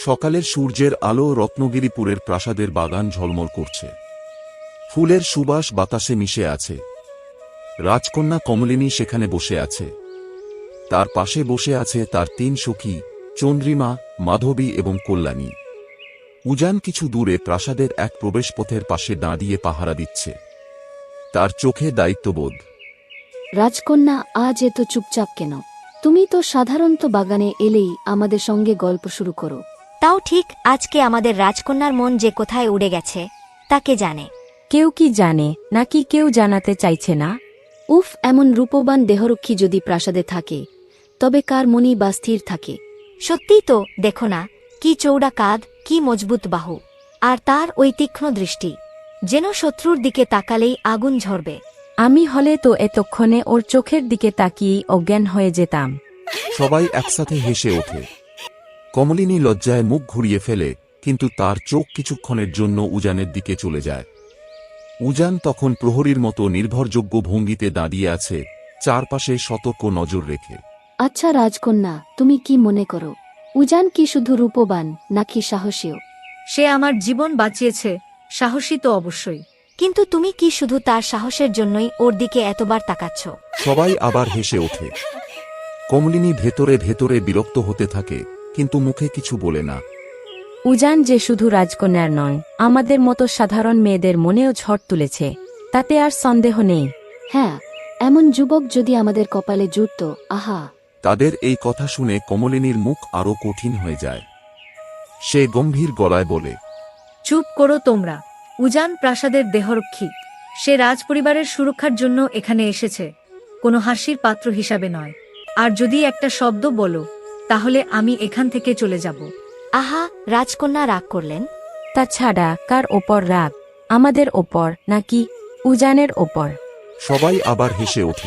সকালের সূর্যের আলো রত্নগিরিপুরের প্রাসাদের বাগান ঝলমল করছে। ফুলের সুবাস বাতাসে মিশে আছে। রাজকন্যা কমলিনী সেখানে বসে আছে। তার পাশে বসে আছে তার তিন সখী, চন্দ্রিমা, মাধবী এবং কল্যাণী। উজান কিছু দূরে প্রাসাদের এক প্রবেশপথের পাশে দাঁড়িয়ে পাহারা দিচ্ছে। তার চোখে দায়িত্ববোধ। রাজকন্যা, আজ এত চুপচাপ কেন? তুমি তো সাধারণত বাগানে এলেই আমাদের সঙ্গে গল্প শুরু করো। তাও ঠিক, আজকে আমাদের রাজকন্যার মন যে কোথায় উড়ে গেছে তা কে জানে। কেউ কি জানে, নাকি কেউ জানাতে চাইছে না? উফ, এমন রূপবান দেহরক্ষী যদি প্রাসাদে থাকে তবে কার মনই বা স্থির থাকে? সত্যিই তো, দেখো না, কি চৌড়া কাঁধ, কি মজবুত বাহু, আর তার ওই তীক্ষ্ণ দৃষ্টি, যেন শত্রুর দিকে তাকালেই আগুন ঝরবে। আমি হলে তো এতক্ষণে ওর চোখের দিকে তাকিয়েই অজ্ঞান হয়ে যেতাম। সবাই একসাথে হেসে ওঠে। কমলিনী লজ্জায় মুখ ঘুরিয়ে ফেলে, কিন্তু তার চোখ কিছুক্ষণের জন্য উজানের দিকে চলে যায়। উজান তখন প্রহরীর মতো নির্ভরযোগ্য ভঙ্গিতে দাঁড়িয়ে আছে, চারপাশে সতর্ক নজর রেখে। আচ্ছা রাজকন্যা, তুমি কি মনে করো, উজান কি শুধু রূপবান নাকি সাহসীও? সে আমার জীবন বাঁচিয়েছে, সাহসী তো অবশ্যই। কিন্তু তুমি কি শুধু তার সাহসের জন্যই ওর দিকে এতবার তাকাচ্ছ? সবাই আবার হেসে ওঠে। কমলিনী ভেতরে ভেতরে বিরক্ত হতে থাকে, কিন্তু মুখে কিছু বলে না। উজান যে শুধু রাজকন্যার নয়, আমাদের মতো সাধারণ মেয়েদের মনেও ঝড় তুলেছে, তাতে আর সন্দেহ নেই। হ্যাঁ, এমন যুবক যদি আমাদের কপালে জুটত, আহা। তাদের এই কথা শুনে কমলিনীর মুখ আরো কঠিন হয়ে যায়। সে গম্ভীর গলায় বলে, চুপ করো তোমরা। উজান প্রাসাদের দেহরক্ষী। সে রাজপরিবারের সুরক্ষার জন্য এখানে এসেছে, কোনো হাসির পাত্র হিসাবে নয়। আর যদি একটা শব্দ বলো, তাহলে আমি এখান থেকে চলে যাব। আহা, রাজকন্যা রাগ করলেন? তাছাড়া কার ওপর রাগ, আমাদের ওপর নাকি উজানের ওপর? সবাই আবার হেসে ওঠে।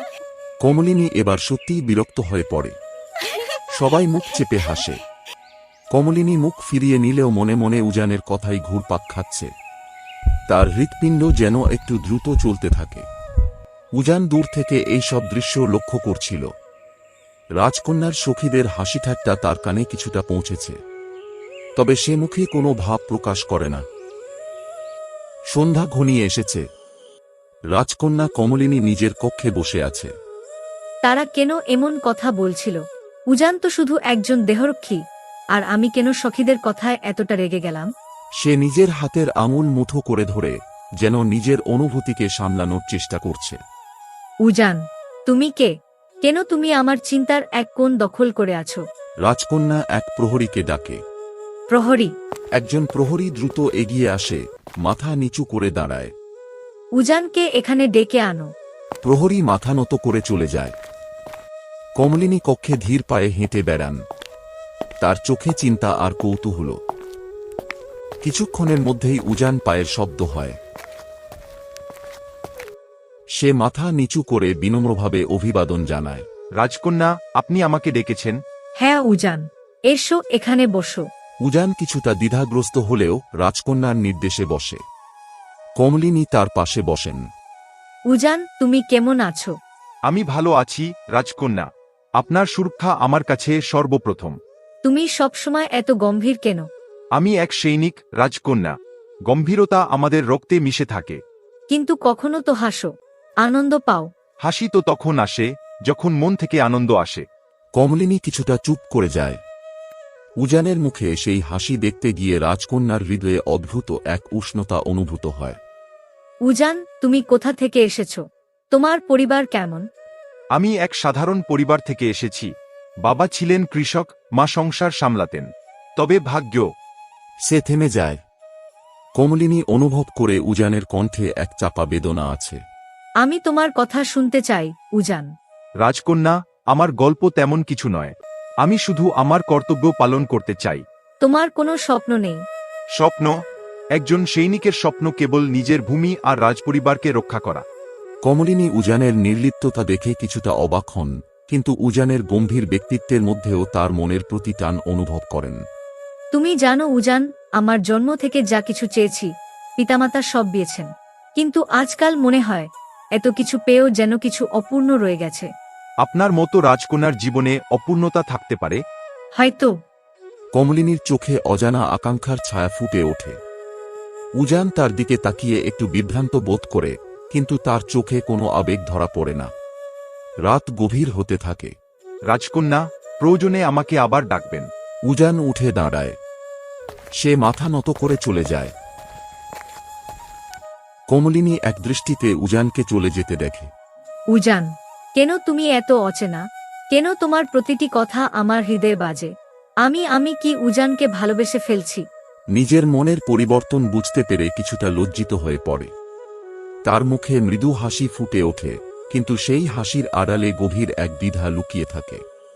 কমলিনী এবার সত্যিই বিরক্ত হয়ে পড়ে। সবাই মুখ চেপে হাসে। কমলিনী মুখ ফিরিয়ে নিলেও মনে মনে উজানের কথাই ঘুরপাক খাচ্ছে। তার হৃৎপিণ্ড যেন একটু দ্রুত চলতে থাকে। উজান দূর থেকে এই সব দৃশ্য লক্ষ্য করছিল। রাজকন্যার সখীদের হাসিঠাট্টা তার কানে কিছুটা পৌঁছেছে, তবে সে মুখে কোনো ভাব প্রকাশ করে না। সন্ধ্যা ঘনিয়ে এসেছে। রাজকন্যা কমলিনী নিজের কক্ষে বসে আছে। তারা কেন এমন কথা বলছিল? উজান তো শুধু একজন দেহরক্ষী, আর আমি কেন সখীদের কথায় এতটা রেগে গেলাম? সে নিজের হাতের আঙুল মুঠো করে ধরে যেন নিজের অনুভূতিকে সামলানোর চেষ্টা করছে। উজান, তুমি কে? কেন তুমি আমার চিন্তার এক কোণ দখল করে আছো? রাজকন্যা এক প্রহরীকে ডাকে। প্রহরী? একজন প্রহরী দ্রুত এগিয়ে আসে, মাথা নিচু করে দাঁড়ায়। উজানকে এখানে ডেকে আনো। প্রহরী মাথা নত করে চলে যায়। কমলিনী কক্ষে ধীর পায়ে হেঁটে বেড়ান। তার চোখে চিন্তা আর কৌতূহল। কিছুক্ষণের মধ্যেই উজান পায়ের শব্দ হয়। সে মাথা নিচু করে বিনম্রভাবে অভিবাদন জানায়। রাজকন্যা, আপনি আমাকে ডেকেছেন? হ্যাঁ উজান, এসো এখানে বসো। উজান কিছুটা দ্বিধাগ্রস্ত হলেও রাজকন্যার নির্দেশে বসে। কমলিনী তার পাশে বসেন। উজান, তুমি কেমন আছো? আমি ভালো আছি রাজকন্যা। আপনার সুরক্ষা আমার কাছে সর্বপ্রথম। তুমি সবসময় এত গম্ভীর কেন? আমি এক সৈনিক রাজকন্যা। গম্ভীরতা আমাদের রক্তে মিশে থাকে। কিন্তু কখনো তো হাসো, আনন্দ পাও। হাসি তো তখন আসে যখন মন থেকে আনন্দ আসে। কমলিনী কিছুটা চুপ করে যায়। উজানের মুখে সেই হাসি দেখতে গিয়ে রাজকন্যার হৃদয়ে অদ্ভুত এক উষ্ণতা অনুভূত হয়। উজান, তুমি কোথা থেকে এসেছো? তোমার পরিবার কেমন? আমি এক সাধারণ পরিবার থেকে এসেছি। বাবা ছিলেন কৃষক, মা সংসার সামলাতেন। তবে ভাগ্য। সে থেমে যায়। কমলিনী অনুভব করে উজানের কণ্ঠে এক চাপা বেদনা আছে। আমি তোমার কথা শুনতে চাই উজান। রাজকন্যা, আমার গল্প তেমন কিছু নয়। আমি শুধু আমার কর্তব্য পালন করতে চাই। তোমার কোনো স্বপ্ন নেই? স্বপ্ন? একজন সৈনিকের স্বপ্ন কেবল নিজের ভূমি আর রাজপরিবারকে রক্ষা করা। কমলিনী উজানের নির্লিপ্ততা দেখে কিছুটা অবাক হন, কিন্তু উজানের গম্ভীর ব্যক্তিত্বের মধ্যেও তার মনের প্রতি টান অনুভব করেন। তুমি জানো উজান, আমার জন্ম থেকে যা কিছু চেয়েছি পিতামাতা সব দিয়েছেন, কিন্তু আজকাল মনে হয় এত কিছু পেয়েও যেন কিছু অপূর্ণ রয়ে গেছে। আপনার মতো রাজকন্যার জীবনে অপূর্ণতা থাকতে পারে? হয়তো। কমলিনীর চোখে অজানা আকাঙ্ক্ষার ছায়া ফুটে ওঠে। উজান তার দিকে তাকিয়ে একটু বিভ্রান্ত বোধ করে, কিন্তু তার চোখে কোনো আবেগ ধরা পড়ে না। রাত গভীর হতে থাকে। রাজকন্যা, প্রয়োজনে আমাকে আবার ডাকবেন। উজান উঠে দাঁড়ায়। সে মাথা নত করে চলে যায়। কমলিনী এক দৃষ্টিতে উজানকে চলে যেতে দেখে। উজান, কেন তুমি এত অচেনা? কেন তোমার প্রতিটি কথা আমার হৃদয়ে বাজে? আমি কি উজানকে ভালোবেসে ফেলছি? নিজের মনের পরিবর্তন বুঝতে পেরে কিছুটা লজ্জিত হয়ে পড়ে। তার মুখে মৃদু হাসি ফুটে ওঠে, কিন্তু সেই হাসির আড়ালে গভীর এক দ্বিধা লুকিয়ে থাকে।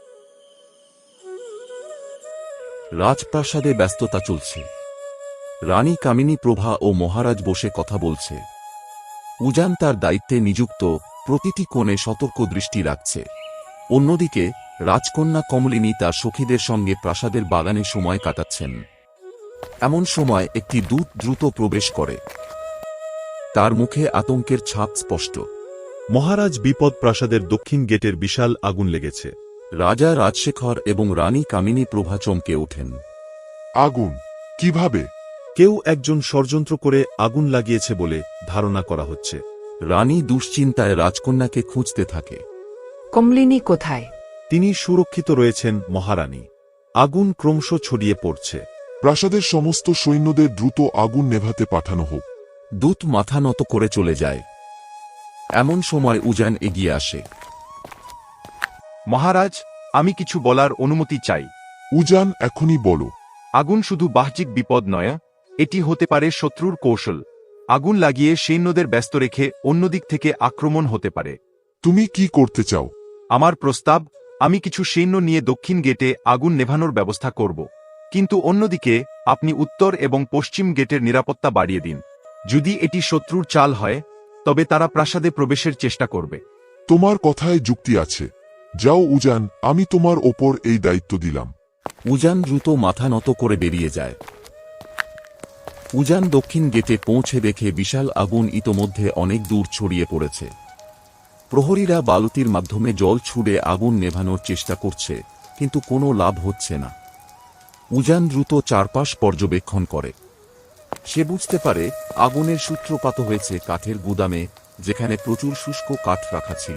রাজপ্রাসাদে ব্যস্ততা চলছে। রানী কামিনী প্রভা ও মহারাজ বসে কথা বলছে। উজান তার দায়িত্বে নিযুক্ত, প্রতিটি কোণে সতর্ক দৃষ্টি রাখছে। অন্যদিকে রাজকন্যা কমলিনী তার সখীদের সঙ্গে প্রাসাদের বাগানে সময় কাটাচ্ছেন। এমন সময় একটি দূত দ্রুত প্রবেশ করে। তার মুখে আতঙ্কের ছাপ স্পষ্ট। মহারাজ, বিপদ, প্রাসাদের দক্ষিণ গেটের বিশাল আগুন লেগেছে। রাজা রাজশেখর এবং রানী কামিনী প্রভা চমকে ওঠেন। আগুন? কিভাবে? কেউ একজন ষড়যন্ত্র করে আগুন লাগিয়েছে বলে ধারণা করা হচ্ছে। রানী দুশ্চিন্তায় রাজকন্যাকে খুঁজতে থাকে। কমলিনী কোথায়? তিনি সুরক্ষিত রয়েছেন মহারানী। আগুন ক্রমশ ছড়িয়ে পড়ছে। প্রাসাদের সমস্ত সৈন্যদের দ্রুত আগুন নেভাতে পাঠানো হোক। দূত মাথা নত করে চলে যায়। এমন সময় উজান এগিয়ে আসে। মহারাজ, আমি কিছু বলার অনুমতি চাই। উজান, এখনই বলো। আগুন শুধু বাহ্যিক বিপদ নয়, এটি হতে পারে শত্রুর কৌশল। আগুন লাগিয়ে সৈন্যদের ব্যস্ত রেখে অন্যদিক থেকে আক্রমণ হতে পারে। তুমি কি করতে চাও? আমার প্রস্তাব, আমি কিছু সৈন্য নিয়ে দক্ষিণ গেটে আগুন নেভানোর ব্যবস্থা করব। কিন্তু অন্যদিকে আপনি উত্তর এবং পশ্চিম গেটের নিরাপত্তা বাড়িয়ে দিন। যদি এটি শত্রুর চাল হয়, তবে তারা প্রাসাদে প্রবেশের চেষ্টা করবে। তোমার কথায় যুক্তি আছে। যাও উজান, আমি তোমার ওপর এই দায়িত্ব দিলাম। উজান দ্রুত মাথা নত করে বেরিয়ে যায়। উজান দক্ষিণ গেটে পৌঁছে দেখে বিশাল আগুন ইতোমধ্যে অনেক দূর ছড়িয়ে পড়েছে। প্রহরীরা বালতির মাধ্যমে জল ছুড়ে আগুন নেভানোর চেষ্টা করছে, কিন্তু কোনো লাভ হচ্ছে না। উজান দ্রুত চারপাশ পর্যবেক্ষণ করে। সে বুঝতে পারে আগুনের সূত্রপাত হয়েছে কাঠের গুদামে, যেখানে প্রচুর শুষ্ক কাঠ রাখা ছিল।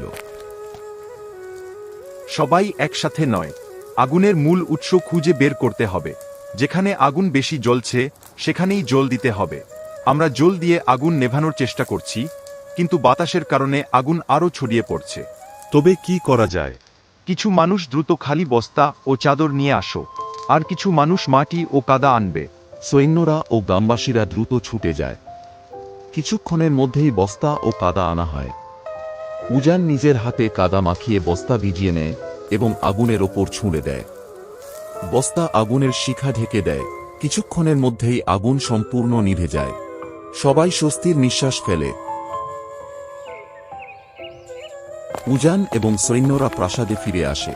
সবাই একসাথে নয়, আগুনের মূল উৎস খুঁজে বের করতে হবে। যেখানে আগুন বেশি জ্বলছে সেখানেই জল দিতে হবে। আমরা জল দিয়ে আগুন নেভানোর চেষ্টা করছি, কিন্তু বাতাসের কারণে আগুন আরও ছড়িয়ে পড়ছে। তবে কি করা যায়? কিছু মানুষ দ্রুত খালি বস্তা ও চাদর নিয়ে আসো, আর কিছু মানুষ মাটি ও কাদা আনবে। সৈন্যরা ও গ্রামবাসীরা দ্রুত ছুটে যায়। কিছুক্ষণের মধ্যেই বস্তা ও কাদা আনা হয়। উজান নিজের হাতে কাদা মাখিয়ে বস্তা ভিজিয়ে নেয় এবং আগুনের ওপর ছুঁড়ে দেয়। বস্তা আগুনের শিখা ঢেকে দেয়। কিছুক্ষণের মধ্যেই আগুন সম্পূর্ণ নিভে যায়। সবাই স্বস্তির নিঃশ্বাস ফেলে। উজান এবং সৈন্যরা প্রাসাদে ফিরে আসে।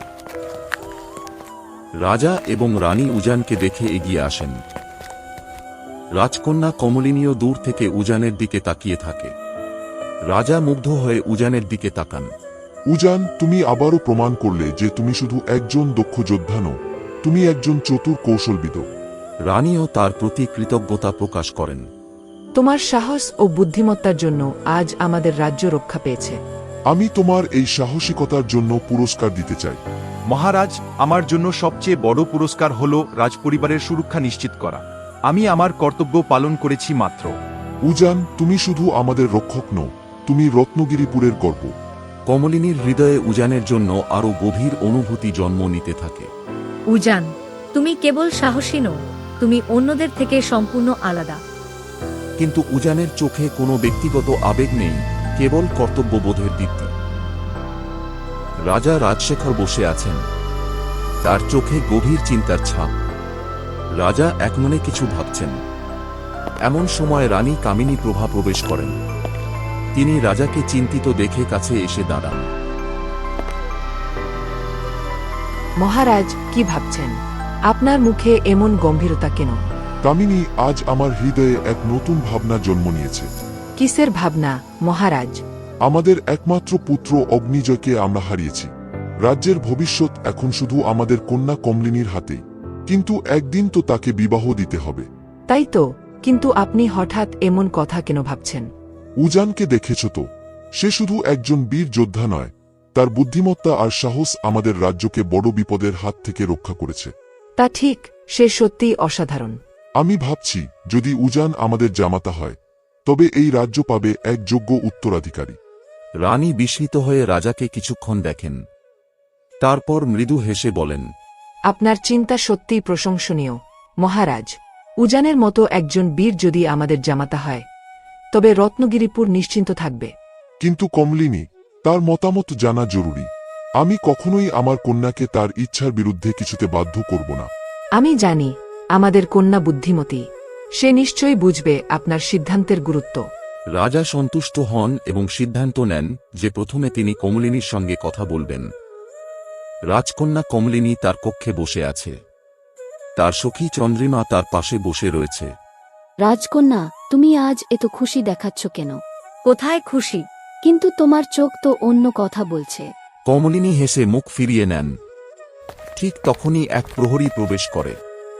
রাজা এবং রানী উজানকে দেখে এগিয়ে আসেন। রাজকন্যা কমলিনীও দূর থেকে উজানের দিকে তাকিয়ে থাকে। রাজা মুগ্ধ হয়ে উজানের দিকে তাকান। উজান, তুমি আবারও প্রমাণ করলে যে তুমি শুধু একজন দক্ষ যোদ্ধা নও, তুমি একজন চতুর কৌশলবিদ। রানীও তার প্রতি কৃতজ্ঞতা প্রকাশ করেন। তোমার সাহস ও বুদ্ধিমত্তার জন্য আজ আমাদের রাজ্য রক্ষা পেয়েছে। আমি তোমার এই সাহসিকতার জন্য পুরস্কার দিতে চাই। মহারাজ, আমার জন্য সবচেয়ে বড় পুরস্কার হল রাজপরিবারের সুরক্ষা নিশ্চিত করা। আমি আমার কর্তব্য পালন করেছি মাত্র। উজান, তুমি শুধু আমাদের রক্ষক নও, তুমি রত্নগিরিপুরের গর্ব। কমলিনীর হৃদয়ে উজানের জন্য আরও গভীর অনুভূতি জন্ম নিতে থাকে। উজান, তুমি কেবল সাহসী নও, তুমি অন্যদের থেকে সম্পূর্ণ আলাদা। কিন্তু উজানের চোখে কোনো ব্যক্তিগত আবেগ নেই, কেবল কর্তব্যবোধের দীপ্তি। রাজা রাজশেখর বসে আছেন। তার চোখে গভীর চিন্তার ছাপ। রাজা একমনে কিছু ভাবছেন। এমন সময় রানী কামিনী প্রভা প্রবেশ করেন। তিনি রাজাকে চিন্তিত দেখে কাছে এসে দাঁড়ান। মহারাজ, কি ভাবছেন? আপনার মুখে এমন গম্ভীরতা কেন? কামিনী, আজ আমার হৃদয়ে এক নতুন ভাবনা জন্ম নিয়েছে। কিসের ভাবনা, মহারাজ? আমাদের একমাত্র পুত্র অগ্নিজয়কে আমরা হারিয়েছি। রাজ্যের ভবিষ্যৎ এখন শুধু আমাদের কন্যা কমলিনীর হাতেই। কিন্তু একদিন তো তাকে বিবাহ দিতে হবে। তাই তো, কিন্তু আপনি হঠাৎ এমন কথা কেন ভাবছেন? উজানকে দেখেছ তো, সে শুধু একজন বীর যোদ্ধা নয়, তার বুদ্ধিমত্তা আর সাহস আমাদের রাজ্যকে বড় বিপদের হাত থেকে রক্ষা করেছে। তা ঠিক, সে সত্যিই অসাধারণ। আমি ভাবছি যদি উজান আমাদের জামাতা হয় তবে এই রাজ্য পাবে এক যোগ্য উত্তরাধিকারী। রানী বিস্মিত হয়ে রাজাকে কিছুক্ষণ দেখেন, তারপর মৃদু হেসে বলেন, আপনার চিন্তা সত্যিই প্রশংসনীয় মহারাজ। উজানের মতো একজন বীর যদি আমাদের জামাতা হয় তবে রত্নগিরিপুর নিশ্চিন্ত থাকবে। কিন্তু কমলিনী, তার মতামত জানা জরুরি। আমি কখনোই আমার কন্যাকে তার ইচ্ছার বিরুদ্ধে কিছুতে বাধ্য করব না। আমি জানি আমাদের কন্যা বুদ্ধিমতী, সে নিশ্চয়ই বুঝবে আপনার সিদ্ধান্তের গুরুত্ব। রাজা সন্তুষ্ট হন এবং সিদ্ধান্ত নেন যে প্রথমে তিনি কমলিনীর সঙ্গে কথা বলবেন। রাজকন্যা কমলিনী তার কক্ষে বসে আছে, তার সখী চন্দ্রিমা তার পাশে বসে রয়েছে। রাজকন্যা, তুমি আজ এত খুশি দেখাচ্ছ কেন? কোথায় খুশি? কিন্তু তোমার চোখ তো অন্য কথা বলছে। কমলিনী হেসে মুখ ফিরিয়ে নেন। ঠিক তখনই এক প্রহরী প্রবেশ করে।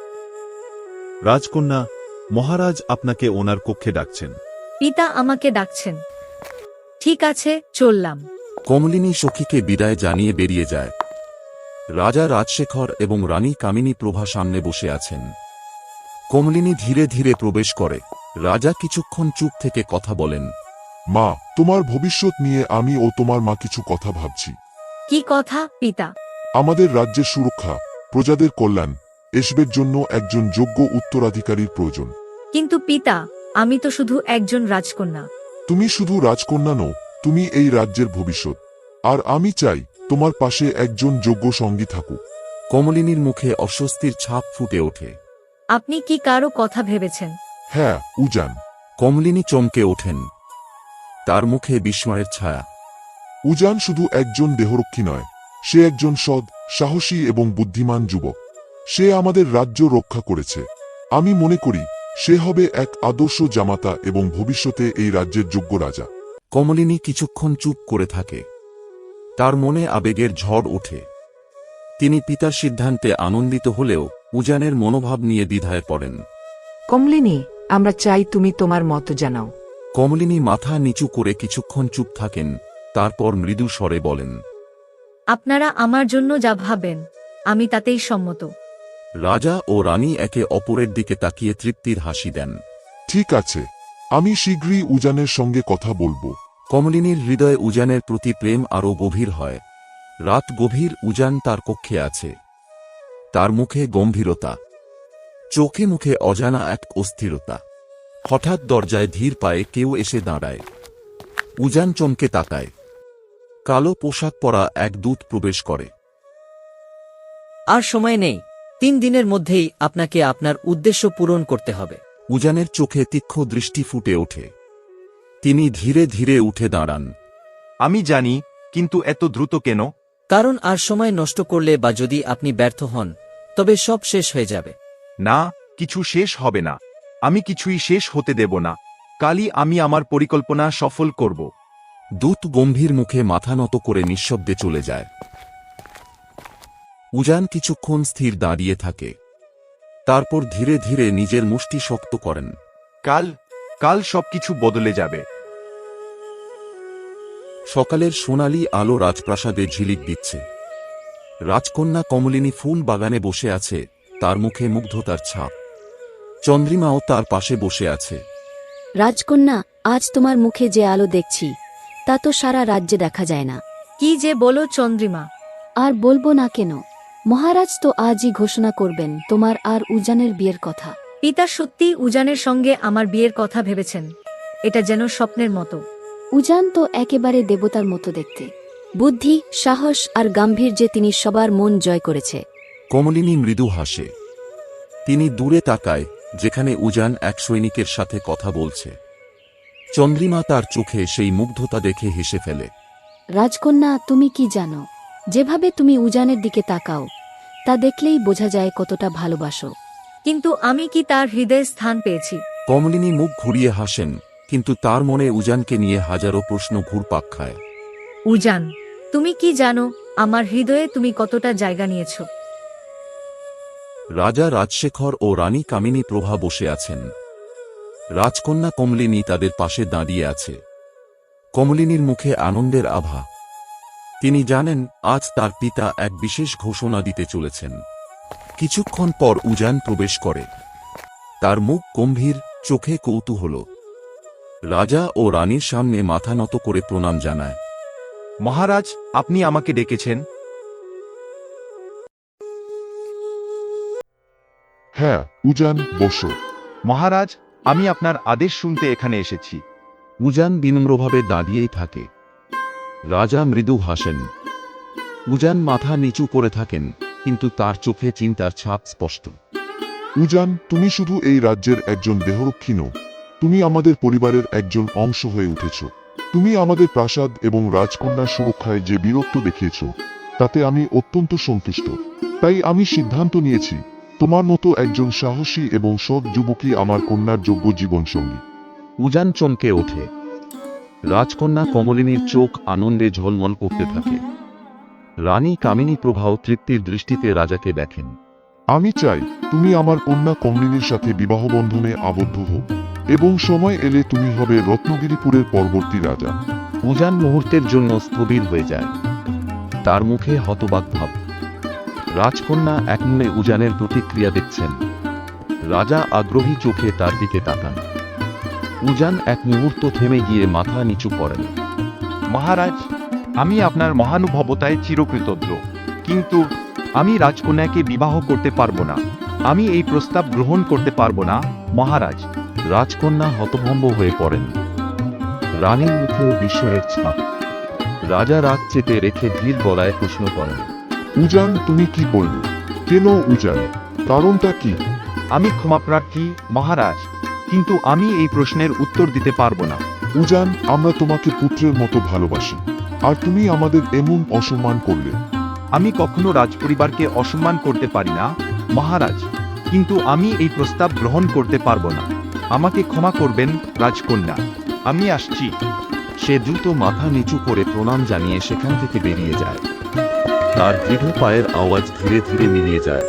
রাজকন্যা, মহারাজ আপনাকে ওনার কক্ষে ডাকছেন। পিতা আমাকে ডাকছেন। ঠিক আছে, চললাম। কমলিনী সখীকে বিদায় জানিয়ে বেরিয়ে যায়। রাজা রাজশেখর এবং রানী কামিনী প্রভা সামনে বসে আছেন। কমলিনী ধীরে ধীরে প্রবেশ করে। রাজা কিছুক্ষণ চুপ থেকে কথা বলেন। মা, তোমার ভবিষ্যৎ নিয়ে আমি ও তোমার মা কিছু কথা ভাবছি। কি কথা পিতা? আমাদের রাজ্যের সুরক্ষা, প্রজাদের কল্যাণ, এসবের জন্য একজন যোগ্য উত্তরাধিকারীর প্রয়োজন। কিন্তু পিতা, আমি তো শুধু একজন রাজকন্যা। তুমি শুধু রাজকন্যা নও, তুমি এই রাজ্যের ভবিষ্যৎ। আর আমি চাই তোমার পাশে একজন যোগ্য সঙ্গী থাকুক। কমলিনীর মুখে অস্বস্তির ছাপ ফুটে ওঠে। আপনি কি কারো কথা ভেবেছেন? হ্যাঁ, উজান। কমলিনী চমকে ওঠেন, তার মুখে বিস্ময়ের ছায়া। উজান শুধু একজন দেহরক্ষী নয়, সে একজন সৎ, সাহসী এবং বুদ্ধিমান যুবক। সে আমাদের রাজ্য রক্ষা করেছে। আমি মনে করি সে হবে এক আদর্শ জামাতা এবং ভবিষ্যতে এই রাজ্যের যোগ্য রাজা। কমলিনী কিছুক্ষণ চুপ করে থাকে, তার মনে আবেগের ঝড় ওঠে। তিনি পিতার সিদ্ধান্তে আনন্দিত হলেও উজানের মনোভাব নিয়ে দ্বিধায় পড়েন। কমলিনী, আমরা চাই তুমি তোমার মত জানাও। কমলিনী মাথা নিচু করে কিছুক্ষণ চুপ থাকেন, তারপর মৃদু স্বরে বলেন, আপনারা আমার জন্য যা ভাবেন আমি তাতেই সম্মত। রাজা ও রানী একে অপরের দিকে তাকিয়ে তৃপ্তির হাসি দেন। ঠিক আছে, আমি শীঘ্রই উজানের সঙ্গে কথা বলবো। কমলিনীর হৃদয়ে উজানের প্রতি প্রেম আরও গভীর হয়। রাত গভীর, উজান তার কক্ষে আছে। তার মুখে গম্ভীরতা, চোখে মুখে অজানা এক অস্থিরতা। হঠাৎ দরজায় ধীর পায়ে কেউ এসে দাঁড়ায়। উজান চমকে তাকায়। কালো পোশাক পরা এক দূত প্রবেশ করে। আর সময় নেই, 3 দিনের মধ্যেই আপনাকে আপনার উদ্দেশ্য পূরণ করতে হবে। উজানের চোখে তীক্ষ্ণ দৃষ্টি ফুটে ওঠে। তিনি ধীরে ধীরে উঠে দাঁড়ান। আমি জানি, কিন্তু এত দ্রুত কেন? কারণ আর সময় নষ্ট করলে বা যদি আপনি ব্যর্থ হন তবে সব শেষ হয়ে যাবে। না, কিছু শেষ হবে না। আমি কিছুই শেষ হতে দেব না। কালই আমি আমার পরিকল্পনা সফল করব। দূত গম্ভীর মুখে মাথা নত করে নিঃশব্দে চলে যায়। উজান কিছুক্ষণ স্থির দাঁড়িয়ে থাকে, তারপর ধীরে ধীরে নিজের মুষ্টি শক্ত করেন। কাল সবকিছু বদলে যাবে। সকালের সোনালি আলো রাজপ্রাসাদে ঝিলিক দিচ্ছে। রাজকন্যা কমলিনী ফুল বাগানে বসে আছে, তার মুখে মুগ্ধতার ছাপ। চন্দ্রিমাও তার পাশে বসে আছে। রাজকন্যা, আজ তোমার মুখে যে আলো দেখছি তা তো সারা রাজ্যে দেখা যায় না। কি যে বলো চন্দ্রিমা। আর বলবো না কেন, মহারাজ তো আজই ঘোষণা করবেন তোমার আর উজানের বিয়ের কথা। পিতা সত্যি উজানের সঙ্গে আমার বিয়ের কথা ভেবেছেন। এটা যেন স্বপ্নের মতো। উজান তো একেবারে দেবতার মতো দেখতে। বুদ্ধি, সাহস আর গাম্ভীর্যে তিনি সবার মন জয় করেছে। কমলিনী মৃদু হাসে। তিনি দূরে তাকায়, যেখানে উজান এক সৈনিকের সাথে কথা বলছে। চন্দ্রিমা তার চোখে সেই মুগ্ধতা দেখে হেসে ফেলে। রাজকন্যা, তুমি কি জানো, যেভাবে তুমি উজানের দিকে তাকাও তা দেখলেই বোঝা যায় কতটা ভালোবাসো। কিন্তু আমি কি তার হৃদয়ে স্থান পেয়েছি? কমলিনী মুখ ঘুরিয়ে হাসেন, কিন্তু তার মনে উজানকে নিয়ে হাজারো প্রশ্ন ঘুরপাক খায়। উজান, তুমি কি জানো আমার হৃদয়ে তুমি কতটা জায়গা নিয়েছ? রাজা রাজশেখর ও রানী কামিনী প্রভা বসে আছেন। রাজকন্যা কমলিনী তাদের পাশে দাঁড়িয়ে আছে। কমলিনীর মুখে আনন্দের আভা। তিনি জানেন আজ তার পিতা এক বিশেষ ঘোষণা দিতে চলেছেন। কিছুক্ষণ পর উজান প্রবেশ করে। তার মুখ গম্ভীর, চোখে কৌতূহল। রাজা ও রানীর সামনে মাথা নত করে প্রণাম জানায়। মহারাজ, আপনি আমাকে ডেকেছেন? হ্যাঁ উজান, বসো। মহারাজ, আমি আপনার আদেশ শুনতে এখানে এসেছি। উজান বিনম্রভাবে দাঁড়িয়েই থাকে। রাজা মৃদু হাসেন। উজান মাথা নিচু করে থাকেন, কিন্তু তার চোখে চিন্তার ছাপ স্পষ্ট। উজান, তুমি শুধু এই রাজ্যের একজন দেহরক্ষী নও, তুমি আমাদের পরিবারের একজন অংশ হয়ে উঠেছ। তুমি আমাদের প্রাসাদ এবং রাজকন্যার সুরক্ষায় যে বীরত্ব দেখিয়েছ, তাতে আমি অত্যন্ত সন্তুষ্ট। তাই আমি সিদ্ধান্ত নিয়েছি, তোমার মতো একজন সাহসী এবং সৎ যুবকই আমার কন্যার যোগ্য জীবনসঙ্গী। উজান চমকে ওঠে। রাজকন্যা কমলিনীর চোখ আনন্দে ঝলমল করতে থাকে। রানী কামিনী প্রভাও তৃপ্তির দৃষ্টিতে রাজাকে দেখেন। আমি চাই তুমি আমার কন্যা কমলিনীর সাথে বিবাহ বন্ধনে আবদ্ধ হও, এবং সময় এলে তুমি হবে রত্নগিরিপুরের পরবর্তী রাজা। উজান মুহূর্তের জন্য স্থবির হয়ে যায়। তার মুখে হতবাক ভাব। রাজকন্যা একমনে উজানের প্রতিক্রিয়া দেখছেন। রাজা আগ্রহী চোখে তার দিকে তাকান। উজান এক মুহূর্ত থেমে গিয়ে মাথা নিচু করেন। মহারাজ, আমি আপনার মহানুভবতায় চিরকৃতজ্ঞ, কিন্তু আমি রাজকন্যাকে বিবাহ করতে পারবো না। আমি এই প্রস্তাব গ্রহণ করতে পারবো না, মহারাজ। রাজকন্যা হতভম্ব হয়ে পড়েন। রানীর মুখেও বিস্ময়ের ছাপ। রাজা রাগ চেপে রেখে ধীর গলায় প্রশ্ন করেন। উজান, তুমি কি বলবে? কেন উজান? কারণটা কি? আমি ক্ষমাপ্রার্থী, মহারাজ, কিন্তু আমি এই প্রশ্নের উত্তর দিতে পারবো না। উজান, আমরা তোমাকে পুত্রের মতো ভালোবাসি, আর তুমি আমাদের এমন অসম্মান করলে। আমি কখনো রাজপরিবারকে অসম্মান করতে পারি না, মহারাজ, কিন্তু আমি এই প্রস্তাব গ্রহণ করতে পারবো না। আমাকে ক্ষমা করবেন, রাজকন্যা। আমি আসছি। সে দ্রুত মাথা নিচু করে প্রণাম জানিয়ে সেখান থেকে বেরিয়ে যায়। তার দৃঢ় পায়ের আওয়াজ ধীরে ধীরে মিলিয়ে যায়।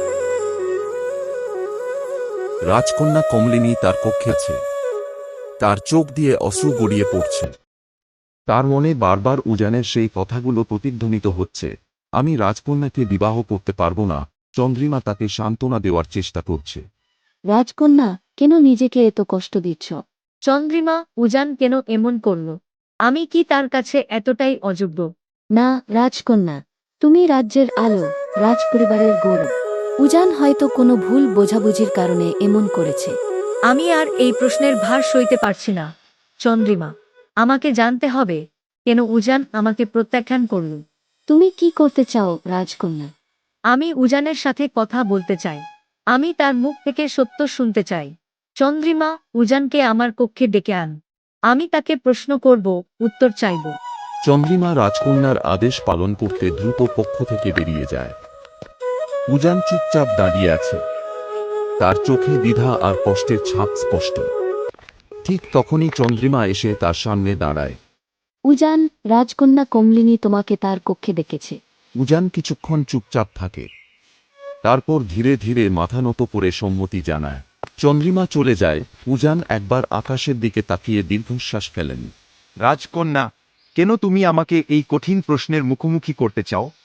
রাজকন্যা কমলিনী তার কক্ষে আছে। তার চোখ দিয়ে অশ্রু গড়িয়ে পড়ছে। তার মনে বারবার উজানের সেই কথাগুলো প্রতিধ্বনিত হচ্ছে। আমি রাজকন্যাকে বিবাহ করতে পারবো না। চন্দ্রিমা তাকে সান্ত্বনা দেওয়ার চেষ্টা করছে। রাজকন্যা, কেন নিজেকে এত কষ্ট দিচ্ছ? চন্দ্রিমা, উজান কেন এমন করল? আমি কি তার কাছে এতটাই অযোগ্য? না রাজকন্যা, তুমি রাজ্যের আলো, রাজপরিবারের গৌরব। উজান হয়তো কোনো ভুল বোঝাবুঝির কারণে এমন করেছে। আমি আর এই প্রশ্নের ভার সইতে পারছি না। চন্দ্রিমা, আমাকে জানতে হবে, কেন উজান আমাকে প্রত্যাখ্যান করল। তুমি কি করতে চাও রাজকন্যা? আমি উজানের সাথে কথা বলতে চাই। আমি তার মুখ থেকে সত্য শুনতে চাই। চন্দ্রিমা, উজানকে আমার কক্ষে ডেকে আন। আমি তাকে প্রশ্ন করব, উত্তর চাইব। চন্দ্রিমা রাজকন্যার আদেশ পালন করতে দ্রুত পক্ষ থেকে বেরিয়ে যায়। উজান চুপচাপ দাঁড়িয়ে আছে। তার চোখে দ্বিধা আর কষ্টের ছাপ স্পষ্ট। ঠিক তখনই চন্দ্রিমা এসে তার সামনে দাঁড়ায়। উজান, রাজকন্যা কমলিনী তোমাকে তার কক্ষে ডেকেছে। উজান কিছুক্ষণ চুপচাপ থাকে। তারপর ধীরে ধীরে মাথা নত করে সম্মতি জানায়। চন্দ্রিমা চলে যায়। উজান একবার আকাশের দিকে তাকিয়ে দীর্ঘশ্বাস ফেলেন। রাজকন্যা, কেন তুমি আমাকে এই কঠিন প্রশ্নের মুখোমুখি করতে চাও?